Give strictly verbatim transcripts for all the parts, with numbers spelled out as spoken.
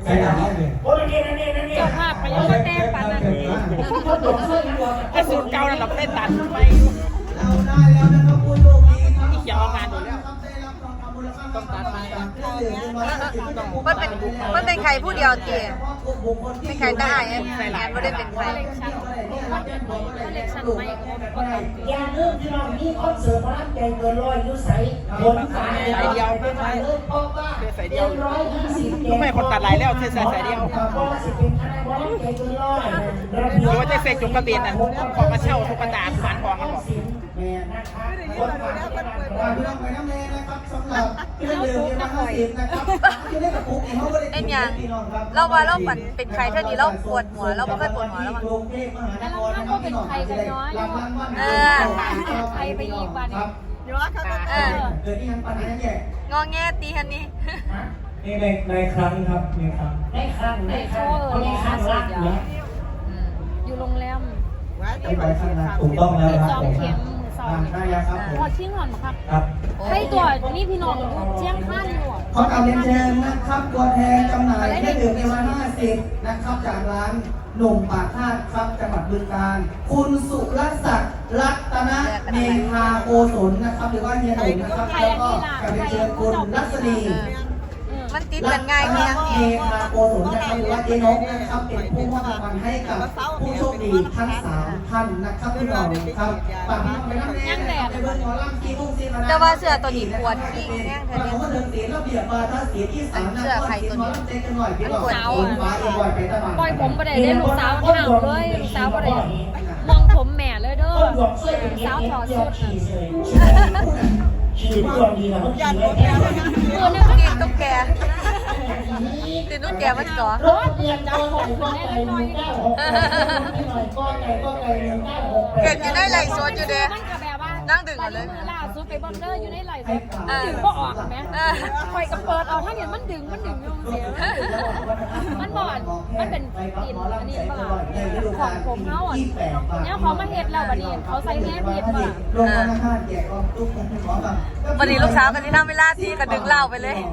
ใส่หลังเลยโอ้ยนี่นี่นี่นี่เจ้าภาพไปยังมาแต้ปันนั่นไอ้สูตรเก่านั่นเราได้ตัดไปเราได้แล้วนะครับคุณโยมีอีกยาวงานอยู่แล้วต้องตัดไปมันเป็นมันเป็นใครผู้เดียวเตี๋ยเป็นใครได้แอนแอนไม่ได้เป็นใครอย่าลืมที่เรามีคอนเสิร์ตพลังใจเกินร้อยยุใส่บนขาใส่เดียวไม่ใช่เพราะว่าใส่เดียวร้อยยี่สิบก็ไม่คนตัดหลายแล้วใส่ใส่เดียวหรือว่าจะเสกจุกกระเบียนน่ะของมาเช่าทุกกระดาษผ่านของกันบอกเอ็นยังเราว่าเราฝันเป็นใครเท่านี้เราปวดหัวเราไม่ค่อยปวดหัวแล้วมั้งแล้วเราก็เป็นใครกันน้อยเออใครไปอีกวันเดี๋ยวเขาก็เอองอแงตีฮันนี่นี่ในในครั้งครับในครั้งในครั้งในครั้งในครั้งรักเนี่ยอยู่โรงแรมถูกต้องแล้วครับสองเข็มสองพอชิ้นหอนครับให้ตัวนี่พี่น้องเชียงข้านอยู่ขอกราบเรียนเชิญนะครับตัวแทนจำหน่ายเครื่องดื่มในวันห้าสิบนะครับจากร้านหนุ่มปากคาดครับจังหวัดบึงกาฬคุณสุรศักดิ์รัตนเมธาโกศลนะครับหรือว่าเฮียหนุ่มนะครับแล้วก็กราบเรียนเชิญคุณรัศนีมันติดกันง่ายเพียงเมธาโกศลนะครับหรือว่าเจนกนะครับเป็นผู้มอบรางวัลให้กับผู้โชคดีทั้งสามท่านนะครับพี่น้องครับฝากพี่น้องไปนั่งเล่นในเบอร์หมอลำกีบุ้งซีมาแต่ว่าเสื้อตัวนี้ปวดที่แห้งเธอเนี่ยเสื้อใครตัวนี้มันปวดเอาปล่อยผมไปได้เล่นลูกสาวเห่าเลยลูกสาวไปได้มองผมแม่เลยเด้อลูกสาวถอดสุดขี่ตัวดีนะมันขี่ไม่แพ้ตัวนึงกินตุ๊กแกกินตุ๊กแกมันก่อรถเรียนจับผมคนได้หน่อยก้าหกก็ไก่ก็ไก่หนึ่งเก้าหกเกิดอยู่ในไหลโซนอยู่เด้นั่งดึงกันเลยล่าสุดไปบอลเลอร์อยู่ในไหลโซนดึงก็ออกไหมคอยกับเปิดเอาถ้าเห็นมันดึงมันดึงยุ่งเสียมันบอดมันเป็นกลิ่นอันนี้ป่ะของผมเขาอ่ะเนี่ยเขามาเห็ดเราบัดนี้เขาใส่แง่เห็ดป่ะวันนี้ลูกสาวกันที่นั่งไม่ล่าทีก็ดึงเหล้าไปเลย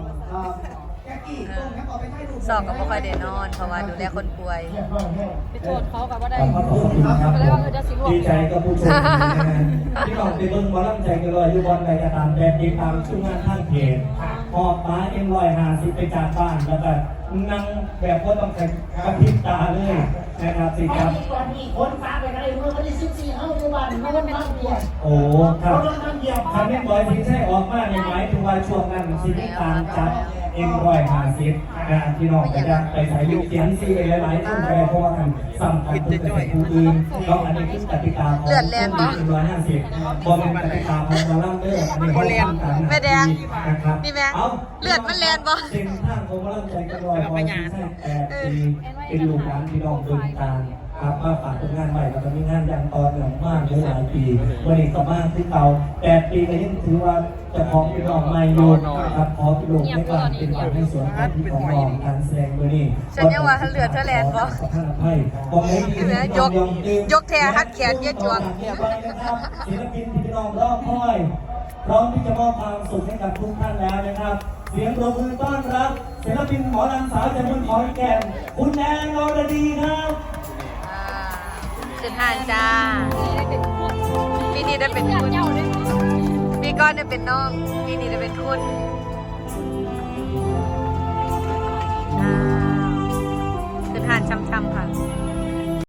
สอบกับพ่อคอยเดนอนเพราะว่าดูแลคนป่วยไปโทษเขากับว่าได้ก็เลยว่าจะสิดีใจกับผู้ชมที่บอกในเบิ้งบอลลังใจกันเลยอยู่บอลใดจะตามแบบติดตามช่วงงานทางเพจพอป้าเอ็มลอยหาสิไปจากบ้านแล้วก็นั่งแบบก็ต้องกระพริบตาเลยนะครับสิครับคนฟ้าไปอะไรเมื่อวันที่สิบสี่เข้าทุกวันไม่วันพักเดียวโอ้ครับทำให้บอยทิ้งใช่ออกมาในหมายถึงว่าช่วงนั้นสิบตามจับเอ็มร้อยห้าสิบนะพี่น้องไปจะไปใส่ลูกเสียงซีไปหลายๆต้นไปเพราะว่ากันสัมพันธ์กับผู้อื่นก็อันนี้คือกติกาของเอ็มร้อยห้าสิบบอลเป็นกติกาของมาล่ำเด้ออันนี้เขาเรียนแม่แดงนะครับนี่แม่เลือดมันแลนบ่เส้นทางของมาล่ำใจกันร้อยบอลใช่แปดปีเป็นลูกหลานพี่น้องบึงกาฬครับมาฝากผลงานใหม่แล้วก็มีงานอย่างต่อเนื่องมากหลายปีวันนี้ก็มากที่เก่าแปดปีก็ยังถือว่าจะพร้อมเป็นน้องใหม่อยู่ครับพร้อมเป็นลูกในการเป็นการให้สวนการที่ของน้องการแสดงวันนี้ฉันยังว่าเลือดเธอแลนบ่ยกยกแทฮัดแขนเย็ดจวงศิลปินพี่น้องรอบคอยพร้อมที่จะมอบความสุขให้กับทุกท่านแล้วนะครับเสียงปรบมือต้อนรับศิลปินหมอลำสาวจากเมืองขอนแก่นคุณแอนอรดีครับขึ้นห้างจ้าปีนี้ได้เป็นคุณปีก้อนได้เป็นน้องปีนี้ได้เป็นคุณขึ้นห้างช้ำๆค่ะ